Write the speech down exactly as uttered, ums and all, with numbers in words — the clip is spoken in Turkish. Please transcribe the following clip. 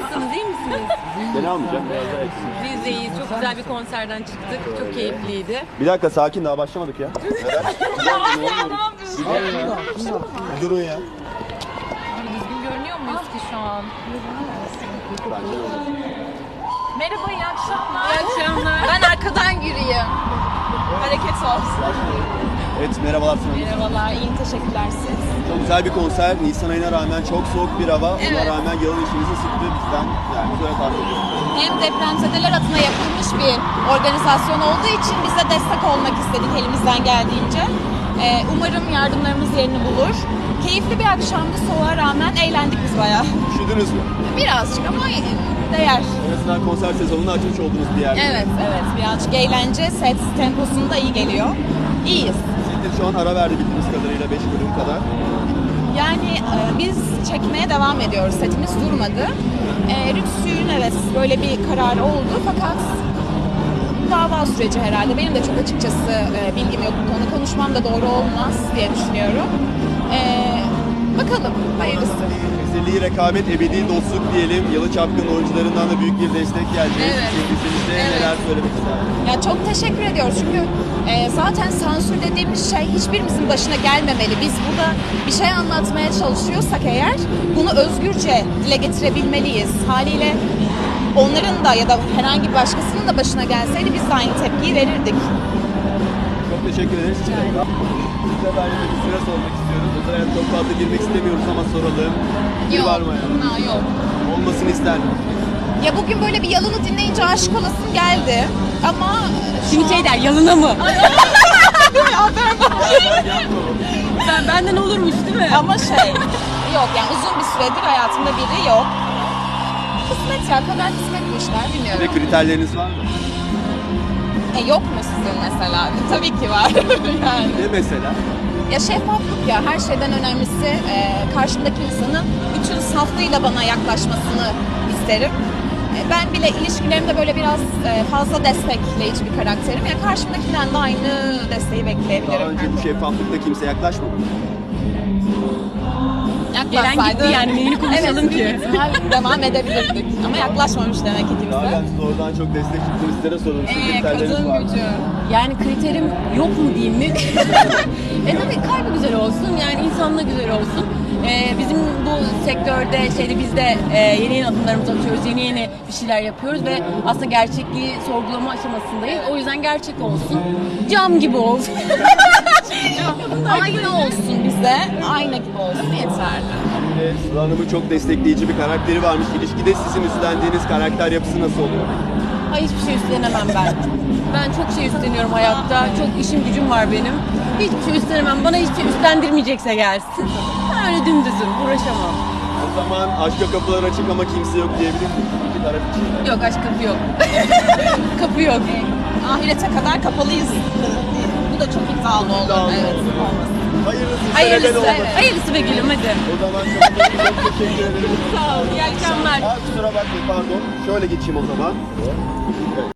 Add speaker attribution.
Speaker 1: Nasılsınız, iyi misiniz?
Speaker 2: Beni almayacak. Biraz daha yakın.
Speaker 1: Biz de iyiyiz. Çok güzel bir konserden çıktık. Çok keyifliydi.
Speaker 2: Bir dakika sakin, daha başlamadık ya. Durun ya.
Speaker 1: Düzgün görünüyor muyuz ki şu an? Merhaba, iyi akşamlar. İyi akşamlar.
Speaker 3: Ben arkadan yürüyeyim. Hareket olsun.
Speaker 2: Evet, merhabalar Sinan.
Speaker 3: Merhabalar, iyi teşekkürler siz.
Speaker 2: Çok güzel bir konser. Nisan ayına rağmen çok soğuk bir hava. Ona
Speaker 3: Evet.
Speaker 2: rağmen yalın işimizi sıktı bizden. Yani böyle tahmin ediyorum.
Speaker 3: Hem depremzedeler adına yapılmış bir organizasyon olduğu için biz de destek olmak istedik elimizden geldiğince. Ee, umarım yardımlarımız yerini bulur. Keyifli bir akşamdı, soğuğa rağmen eğlendik biz bayağı.
Speaker 2: Üşüdünüz mü?
Speaker 3: Birazcık ama değer.
Speaker 2: En azından konser sezonunu açmış olduğunuz bir yer.
Speaker 3: Evet, evet. Birazcık eğlence, set temposunda iyi geliyor. İyiyiz.
Speaker 2: Setleri şu an ara verdi bildiğimiz kadarıyla beş bölüm kadar.
Speaker 3: Yani e, biz çekmeye devam ediyoruz. Setimiz durmadı. E, Rütü'nün evet böyle bir kararı oldu fakat dava süreci herhalde. Benim de çok açıkçası e, bilgim yok bu konu. Konuşmam da doğru olmaz diye düşünüyorum. E, bakalım hayırlısı.
Speaker 2: Ezeli rekabet, ebedi dostluk diyelim. Yalı Çapkın oyuncularından da büyük bir destek geldi.
Speaker 3: Evet.
Speaker 2: Sizin de
Speaker 3: Evet.
Speaker 2: neler söylemek istersiniz?
Speaker 3: Ya çok teşekkür ediyoruz çünkü e, zaten sansür dediğimiz şey hiçbirimizin başına gelmemeli. Biz burada bir şey anlatmaya çalışıyorsak eğer bunu özgürce dile getirebilmeliyiz. Haliyle onların da ya da herhangi bir başkasının da başına gelseydi biz de aynı tepkiyi verirdik.
Speaker 2: Çok teşekkür ederiz. Size ben de bir süre sormak istiyoruz. Özel hayat çok fazla girmek istemiyoruz ama soralım. Bir var mı yani?
Speaker 3: Ha, yok.
Speaker 2: Olmasını ister mi?
Speaker 3: Ya bugün böyle bir yalını dinleyince aşık olasım geldi ama şu
Speaker 1: Şimdi
Speaker 3: an-
Speaker 1: şey der, yalına mı? ben, benden olurmuş değil mi?
Speaker 3: Ama şey yok yani uzun bir süredir hayatımda biri yok. Kısmet ya, kadar kısmet bu işler
Speaker 2: Ve
Speaker 3: bilmiyorum.
Speaker 2: kriterleriniz var mı?
Speaker 3: E, yok mu sizin mesela? Tabii ki var yani.
Speaker 2: Ne mesela?
Speaker 3: Ya şeffaflık ya her şeyden önemlisi e, karşımdaki insanın bütün saflığıyla bana yaklaşmasını isterim. E, ben bile ilişkilerimde böyle biraz e, fazla destekleyici bir karakterim. Ya karşımdakinden de aynı desteği
Speaker 2: Daha
Speaker 3: bekleyebilirim.
Speaker 2: önce bu şeffaflıkta kimse yaklaşmadı.
Speaker 1: Gelen gitti yani, neyini konuşalım
Speaker 3: evet,
Speaker 1: ki?
Speaker 3: büyük ihtimal devam edebilirdik. Ama yaklaşmamış demek ki
Speaker 2: Daha
Speaker 3: kimse.
Speaker 2: ben size oradan çok destek çıktım. Sizlere soralım. Sizin
Speaker 3: Ee,
Speaker 2: kriterleriniz
Speaker 3: kadın
Speaker 2: var mı?
Speaker 3: gücü.
Speaker 1: Yani kriterim yok mu diyeyim mi? e tabii kalbi güzel olsun, yani insanlığı güzel olsun. Ee, bizim bu sektörde şeyde biz de e, yeni yeni adımlarımızı atıyoruz, yeni yeni bir şeyler yapıyoruz ve aslında gerçekliği sorgulama aşamasındayız. O yüzden gerçek olsun, cam gibi olsun.
Speaker 3: Aynı olsun bize, ayna gibi olsun yeterli.
Speaker 2: Ve Sıla Hanım'ın çok destekleyici bir karakteri varmış. İlişkide sizin üstlendiğiniz karakter yapısı nasıl oluyor?
Speaker 1: Ay hiçbir şey üstlenemem ben. Ben çok şey üstleniyorum hayatta. Çok işim gücüm var benim. Hiçbir şey üstlenemem. Bana hiçbir şey üstlendirmeyecekse gelsin. Ben öyle dümdüzüm. Uğraşamam.
Speaker 2: O zaman aşka kapılar açık ama kimse yok diyebilir miyiz? İki taraf için.
Speaker 1: Yok, aşk kapı yok. kapı yok.
Speaker 3: Ahirete kadar kapalıyız. Bu da çok iddialı olur.
Speaker 2: İddialı
Speaker 3: Evet.
Speaker 2: olur. Hayırlısı.
Speaker 1: Hayırlısı.
Speaker 2: sebeben olmasın.
Speaker 1: Hayırlısı be gülüm hadi.
Speaker 2: O zaman çok, çok teşekkür ederim.
Speaker 1: Sağ ol. İyi akşamlar.
Speaker 2: Aa, kusura bakmayın pardon. Şöyle geçeyim o zaman. Evet.